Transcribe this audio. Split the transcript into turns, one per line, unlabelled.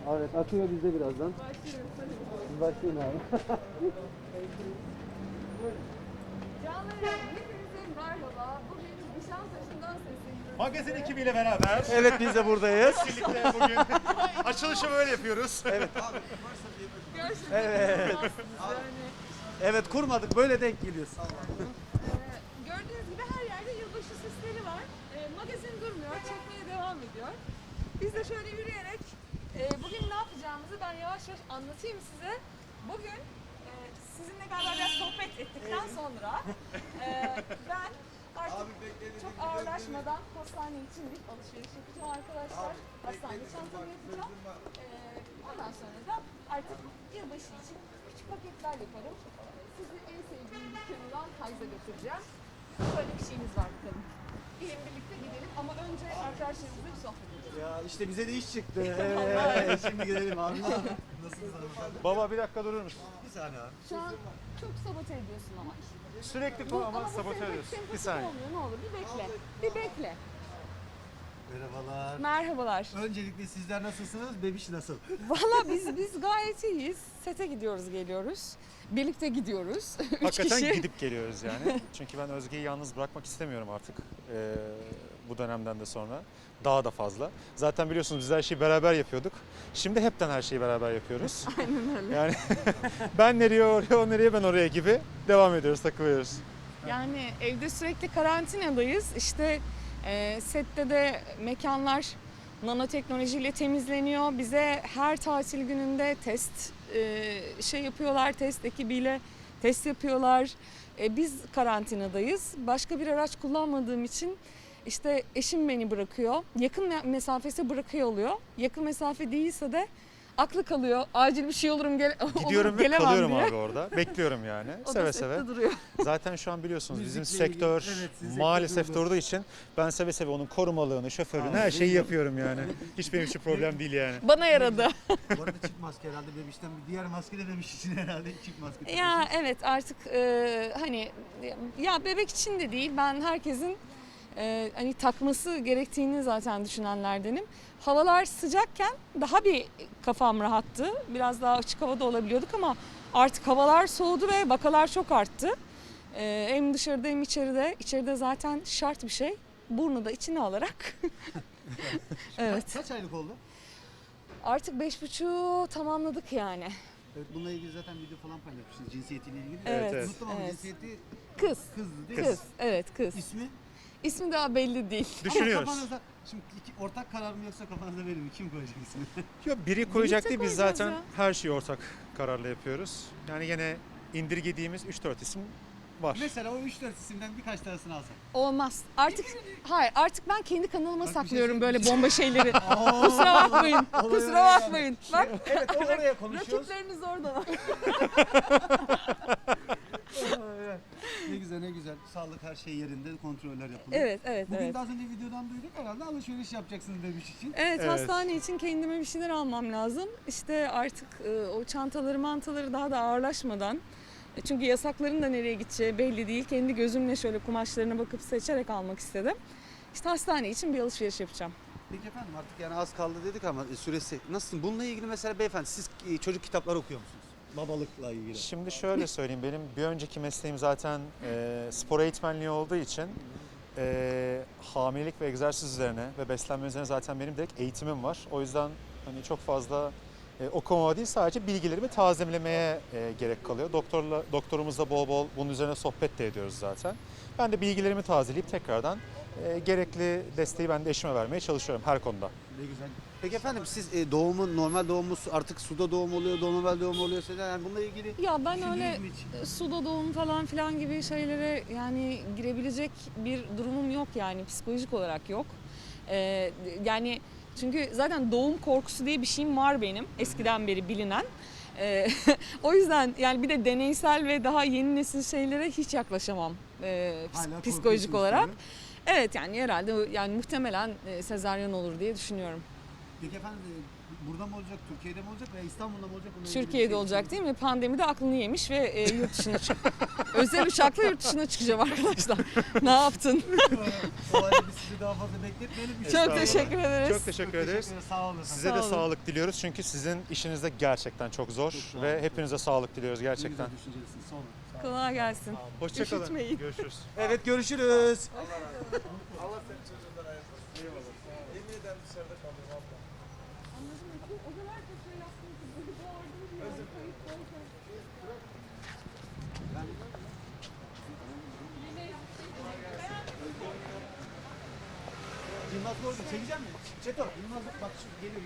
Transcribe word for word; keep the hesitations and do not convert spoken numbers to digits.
Evet, akıyor bizde birazdan.
Başlıyoruz hadi.
Siz başlayın abi.
Canlarım hepinize merhaba. Bugün Nişantaşı'ndan sesleniyoruz.
Magazin ekibiyle beraber
Evet, biz de buradayız.
birlikte bugün açılışı böyle yapıyoruz. Evet.
Gerçekten
Evet.
yani,
Evet, kurmadık, böyle denk geliyoruz.
e, gördüğünüz gibi her yerde yılbaşı süsleri var. E, magazin durmuyor, çekmeye devam ediyor. Biz de şöyle yürüyerek e, bugün ne yapacağımızı ben yavaş yavaş anlatayım size. Bugün e, sizinle galiba biraz sohbet ettikten sonra e, ben artık çok ağırlaşmadan hastane için bir alışveriş yapacağım arkadaşlar. Hastane çantamı yapacağım. E, ondan sonra da artık yılbaşı için küçük paketler yaparım. Sizi en sevdiğim dükkanından Hayz'a götüreceğim. Böyle bir şeyimiz var bakalım. Gelin birlikte gidelim ama önce arkadaşlarımızla bir sohbet edelim.
Ya işte bize de iş çıktı. Evet, şimdi gidelim abi. Nasılsınız hanımefendi?
Baba bir dakika durur musun?
Bir saniye abi.
Şu an çok sabote ediyorsun ama.
Sürekli
Bu-
bu ama
bu
sabote
sempatik-
ediyorsun. Bir
sempatik
saniye.
olmuyor, ne olur bir bekle. Bir bekle.
Merhabalar.
Merhabalar.
Öncelikle sizler nasılsınız? Bebiş nasıl?
Valla biz biz gayet iyiyiz. Sete gidiyoruz, geliyoruz. Birlikte gidiyoruz. Üç
Hakikaten
kişi.
gidip geliyoruz yani. Çünkü ben Özge'yi yalnız bırakmak istemiyorum artık. Ee, bu dönemden de sonra. Daha da fazla. Zaten biliyorsunuz biz her şeyi beraber yapıyorduk. Şimdi hepten her şeyi beraber yapıyoruz.
Aynen öyle.
Yani ben nereye oraya, o nereye ben oraya gibi devam ediyoruz, takılıyoruz.
Yani evde sürekli karantinadayız. İşte e, sette de mekanlar nanoteknolojiyle temizleniyor. Bize her tatil gününde test e, şey yapıyorlar, test ekibiyle test yapıyorlar. E, biz karantinadayız. Başka bir araç kullanmadığım için işte eşim beni bırakıyor. Yakın me- mesafesi bırakıyor oluyor. Yakın mesafe değilse de aklı kalıyor. Acil bir şey olurum gele
Gidiyorum
olur,
ve
gelemem
kalıyorum
diye.
abi orada. Bekliyorum yani.
O
seve
da
seve.
sette duruyor.
Zaten şu an biliyorsunuz bizim
Müzikle ilgili-
sektör
evet, sizin
maalesef
sektör durdu.
durduğu için ben seve seve onun korumalığını, şoförlüğünü,
Aa,
her şeyi
iyi.
yapıyorum yani. Hiç benim için problem değil yani.
Bana yaradı.
Bu arada çift maske herhalde bebişten bir diğer maske de bebiş için herhalde çift maske.
Ya
takıyorsunuz.
evet artık e, hani ya bebek için de değil, ben herkesin e, hani takması gerektiğini zaten düşünenlerdenim. Havalar sıcakken daha bir kafam rahattı. Biraz daha açık havada olabiliyorduk ama artık havalar soğudu ve vakalar çok arttı. E, hem dışarıda hem içeride. İçeride zaten şart bir şey. Burnu da içine alarak. Evet.
Kaç, kaç aylık oldu?
Artık beş buçuğu tamamladık yani.
Evet, bununla ilgili zaten video falan paylaşmışsınız cinsiyetiyle ilgili.
Evet,
evet.
Unuttum ama
evet.
cinsiyeti
Kız.
kızdı değil mi?
Kız. Evet kız.
İsmi?
İsmi daha belli değil.
Düşünüyoruz.
Ama kafanızda, şimdi iki, ortak karar mı yoksa kafanızda verir mi? Kim koyacak ismini?
Yok biri koyacak
Birlikte
değil, biz
koyacağız
zaten
ya.
her şeyi ortak kararla yapıyoruz. Yani yine indirgediğimiz üç dört isim var.
Mesela o üç dört isimden birkaç tanesini alsak.
Olmaz. Artık hayır artık ben kendi kanalıma
Bak bir şey
saklıyorum böyle
söyleyeyim.
bomba şeyleri. Kusura bakmayın.
Olay
Kusura
öyle yani.
bakmayın. Bak
Evet, o oraya konuşuyoruz.
rakipleriniz orada.
Ne güzel ne güzel. Sağlık her şey yerinde, kontroller yapılıyor.
Evet evet
Bugün
evet.
de az önce videodan duyduk herhalde alışveriş yapacaksınız demiş için.
Evet,
Evet.
hastane için kendime bir şeyler almam lazım. İşte artık e, o çantaları mantaları daha da ağırlaşmadan. E, çünkü yasakların da nereye gideceği belli değil. Kendi gözümle şöyle kumaşlarına bakıp seçerek almak istedim. İşte hastane için bir alışveriş yapacağım.
Peki efendim artık yani az kaldı dedik ama süresi nasıl? Bununla ilgili mesela beyefendi siz e, çocuk kitapları okuyor musunuz? Babalıkla ilgili.
Şimdi şöyle söyleyeyim, benim bir önceki mesleğim zaten e, spor eğitmenliği olduğu için e, hamilelik ve egzersiz üzerine ve beslenme üzerine zaten benim direkt eğitimim var. O yüzden hani çok fazla e, okumama değil, sadece bilgilerimi tazelemeye e, gerek kalıyor. Doktorla doktorumuzla bol bol bunun üzerine sohbet de ediyoruz zaten. Ben de bilgilerimi tazeleyip tekrardan e, gerekli desteği ben de eşime vermeye çalışıyorum her konuda.
Ne güzel. Peki efendim siz e, doğumu normal doğumu artık suda doğum oluyor, normal doğum oluyor size yani bununla ilgili
Ya ben
düşündünüz
öyle
mü hiç?
suda doğum falan filan gibi şeylere yani girebilecek bir durumum yok yani psikolojik olarak yok. Ee, yani çünkü zaten doğum korkusu diye bir şeyim var benim eskiden beri bilinen. Ee, o yüzden yani bir de deneysel ve daha yeni nesil şeylere hiç yaklaşamam e, ps-
Hala
psikolojik
korkuyorsunuz
olarak.
tabii.
Evet yani herhalde yani muhtemelen e, sezaryen olur diye düşünüyorum.
Peki efendim e, burada mı olacak, Türkiye'de mi olacak veya İstanbul'da mı olacak? Bununla ilgili bir
Türkiye'de
şey
olacak değil mi? Pandemide aklını yemiş ve e, yurt dışına çık. Özel uçakla yurt dışına çıkacağım arkadaşlar. Ne yaptın?
O halde biz sizi daha fazla bekletmeyelim.
Çok
Estağfurullah.
teşekkür ederiz.
Çok teşekkür ederiz.
Teşekkür ederim. Sağ olun.
Size
Sağ
de
olun.
sağlık diliyoruz çünkü sizin işiniz de gerçekten çok zor
Çok sağ
ve
olun.
hepinize sağlık diliyoruz
Ne
gerçekten.
güzel düşüncelisiniz. Sağ olun.
Kolay gelsin.
Hoşçakalın.
Üşütmeyin.
Görüşürüz.
Evet görüşürüz.
Allah senin çocuğundan ayırmasın. Eyvallah. Yemin ederim dışarıda kalıyorum abla.
Anladım. O kadar çok şey yaptım ki bunu bağırdım ya. Kayıp olacak.
Yılmaz Borcu çekeceğim mi? Çeto. Yılmaz bak şu geliyor.